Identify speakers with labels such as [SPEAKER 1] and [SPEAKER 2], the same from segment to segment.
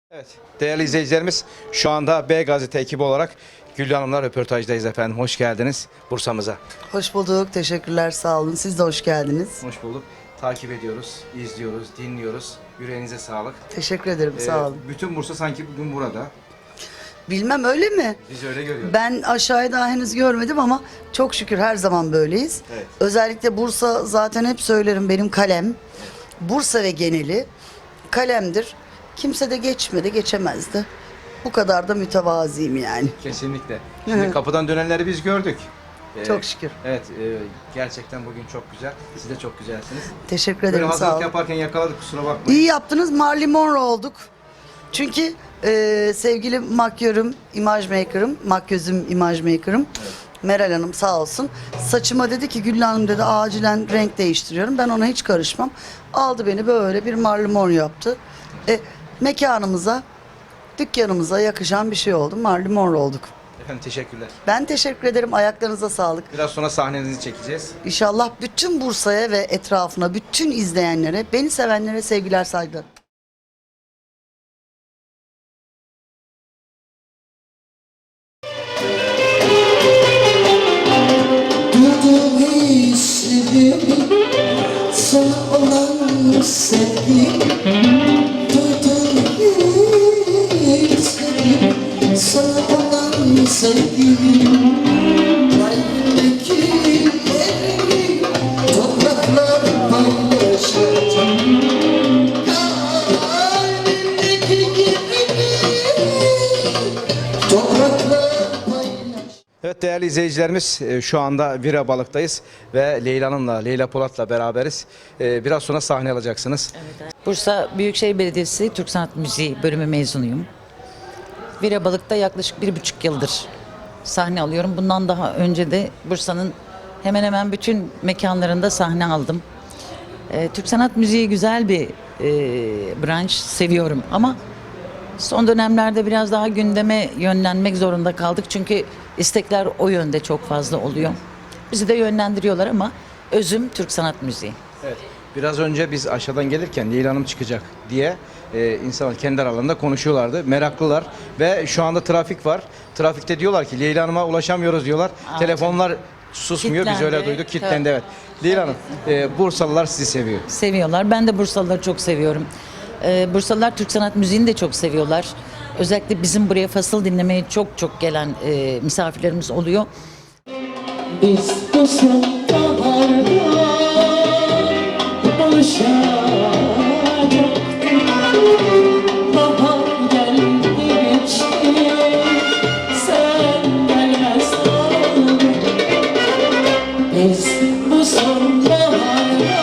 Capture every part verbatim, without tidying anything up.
[SPEAKER 1] Evet, değerli izleyicilerimiz, şu anda B Gazete ekibi olarak Güllü Hanım'la röportajdayız efendim. Hoş geldiniz Bursa'mıza.
[SPEAKER 2] Hoş bulduk. Teşekkürler. Sağ olun. Siz de hoş geldiniz.
[SPEAKER 1] Hoş bulduk. Takip ediyoruz, izliyoruz, dinliyoruz. Yüreğinize sağlık.
[SPEAKER 2] Teşekkür ederim.
[SPEAKER 1] Ee,
[SPEAKER 2] Sağ olun.
[SPEAKER 1] Bütün Bursa sanki bugün burada.
[SPEAKER 2] Bilmem öyle mi?
[SPEAKER 1] Biz öyle görüyoruz.
[SPEAKER 2] Ben aşağıya daha henüz görmedim ama çok şükür her zaman böyleyiz.
[SPEAKER 1] Evet.
[SPEAKER 2] Özellikle Bursa, zaten hep söylerim, benim kalem. Bursa ve geneli kalemdir. Kimse de geçmedi, geçemezdi. Bu kadar da mütevaziyim yani.
[SPEAKER 1] Kesinlikle. Şimdi kapıdan dönenleri biz gördük. Ee,
[SPEAKER 2] Çok şükür.
[SPEAKER 1] Evet, e, gerçekten bugün çok güzel. Siz de çok güzelsiniz.
[SPEAKER 2] Teşekkür
[SPEAKER 1] Böyle
[SPEAKER 2] ederim. Sağ
[SPEAKER 1] hazırlık
[SPEAKER 2] olun.
[SPEAKER 1] yaparken yakaladık, kusura bakmayın.
[SPEAKER 2] İyi yaptınız. Marilyn Monroe olduk. Çünkü e, sevgili makyörüm, imaj maker'ım, makyözüm, imaj maker'ım Meral Hanım sağ olsun. Saçıma dedi ki Güllü Hanım dedi acilen renk değiştiriyorum. Ben ona hiç karışmam. Aldı beni böyle bir Marilyn Monroe yaptı. E, mekanımıza, dükkanımıza yakışan bir şey oldu. Marilyn Monroe olduk.
[SPEAKER 1] Efendim teşekkürler.
[SPEAKER 2] Ben teşekkür ederim. Ayaklarınıza sağlık.
[SPEAKER 1] Biraz sonra sahnenizi çekeceğiz.
[SPEAKER 2] İnşallah bütün Bursa'ya ve etrafına, bütün izleyenlere, beni sevenlere sevgiler, saygılar.
[SPEAKER 3] Duydum hislerimi, sana olan sevgim. Duydum hislerimi, sana olan sevgim. Kalbimdeki yerimi topraklar paylaşacak. Kalbimdeki yerimi topraklar paylaşacak.
[SPEAKER 1] Evet değerli izleyicilerimiz, e, şu anda Vira Balık'tayız ve Leyla Hanım'la, Leyla Polat'la beraberiz. E, Biraz sonra sahne alacaksınız.
[SPEAKER 4] Bursa Büyükşehir Belediyesi Türk Sanat Müziği bölümü mezunuyum. Vira Balık'ta yaklaşık bir buçuk yıldır sahne alıyorum. Bundan daha önce de Bursa'nın hemen hemen bütün mekanlarında sahne aldım. Ee, Türk Sanat Müziği güzel bir e, branş, seviyorum ama son dönemlerde biraz daha gündeme yönlenmek zorunda kaldık. Çünkü istekler o yönde çok fazla oluyor. Bizi de yönlendiriyorlar ama özüm Türk Sanat Müziği.
[SPEAKER 1] Evet. Biraz önce biz aşağıdan gelirken Leyla Hanım çıkacak diye e, insanlar kendi aralarında konuşuyorlardı. Meraklılar ve şu anda trafik var. Trafikte diyorlar ki Leyla Hanım'a ulaşamıyoruz diyorlar.
[SPEAKER 4] Aa,
[SPEAKER 1] Telefonlar susmuyor. Biz
[SPEAKER 4] Kilitlendi.
[SPEAKER 1] öyle duyduk. Kilitlendi
[SPEAKER 4] Tabii.
[SPEAKER 1] evet. Leyla Hanım, e, Bursalılar sizi seviyor.
[SPEAKER 4] Seviyorlar. Ben de Bursalıları çok seviyorum. Ee, Bursalılar Türk Sanat Müziği'ni de çok seviyorlar. Özellikle bizim buraya fasıl dinlemeye çok çok gelen e, misafirlerimiz oluyor.
[SPEAKER 3] Biz bu sonbaharda buluşacaktık. Bahar geldi geçti, sen gelmez oldun. Biz bu sonbaharda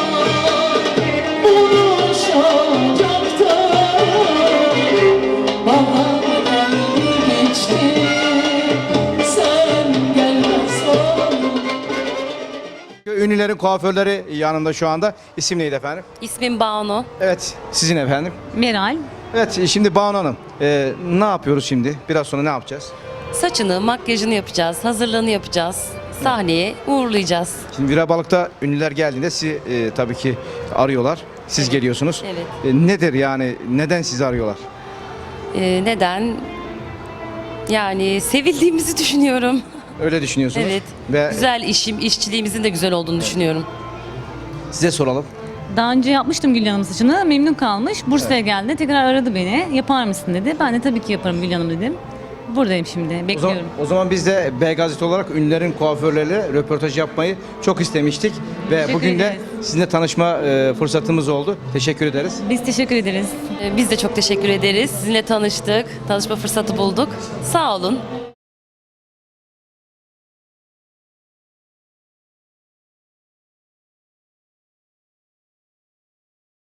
[SPEAKER 3] buluşacaktık. Bahar geldi geçti, sen gelmez oldun.
[SPEAKER 1] Ünlülerin kuaförleri yanımda şu anda. İsim neydi efendim?
[SPEAKER 5] İsmim Banu.
[SPEAKER 1] Evet, sizin efendim.
[SPEAKER 5] Meral.
[SPEAKER 1] Evet, şimdi Banu Hanım, e, ne yapıyoruz şimdi? Biraz sonra ne yapacağız?
[SPEAKER 5] Saçını, makyajını yapacağız, hazırlığını yapacağız. Sahneye uğurlayacağız.
[SPEAKER 1] Şimdi Vira Balık'ta ünlüler geldiğinde sizi e, tabii ki arıyorlar. Siz geliyorsunuz.
[SPEAKER 5] Evet.
[SPEAKER 1] E, nedir yani? Neden sizi arıyorlar?
[SPEAKER 5] Ee, neden? Yani sevildiğimizi düşünüyorum.
[SPEAKER 1] Öyle düşünüyorsunuz.
[SPEAKER 5] Evet.
[SPEAKER 1] Ve
[SPEAKER 5] Güzel işim, işçiliğimizin de güzel olduğunu düşünüyorum.
[SPEAKER 1] size soralım.
[SPEAKER 6] Daha önce yapmıştım Gül Hanım saçını. Memnun kalmış. Bursa'ya geldi. Tekrar aradı beni. Yapar mısın dedi. Ben de tabii ki yaparım Gül Hanım dedim. Buradayım şimdi.
[SPEAKER 1] O zaman,
[SPEAKER 6] Bekliyorum.
[SPEAKER 1] o zaman biz de B Gazete olarak ünlülerin kuaförleriyle röportaj yapmayı çok istemiştik. Ve
[SPEAKER 6] Teşekkür
[SPEAKER 1] bugün de
[SPEAKER 6] ederiz.
[SPEAKER 1] sizinle tanışma e, fırsatımız oldu. Teşekkür ederiz.
[SPEAKER 6] Biz teşekkür ederiz.
[SPEAKER 5] Ee, biz de çok teşekkür ederiz. Sizinle tanıştık, tanışma fırsatı bulduk. Sağ olun.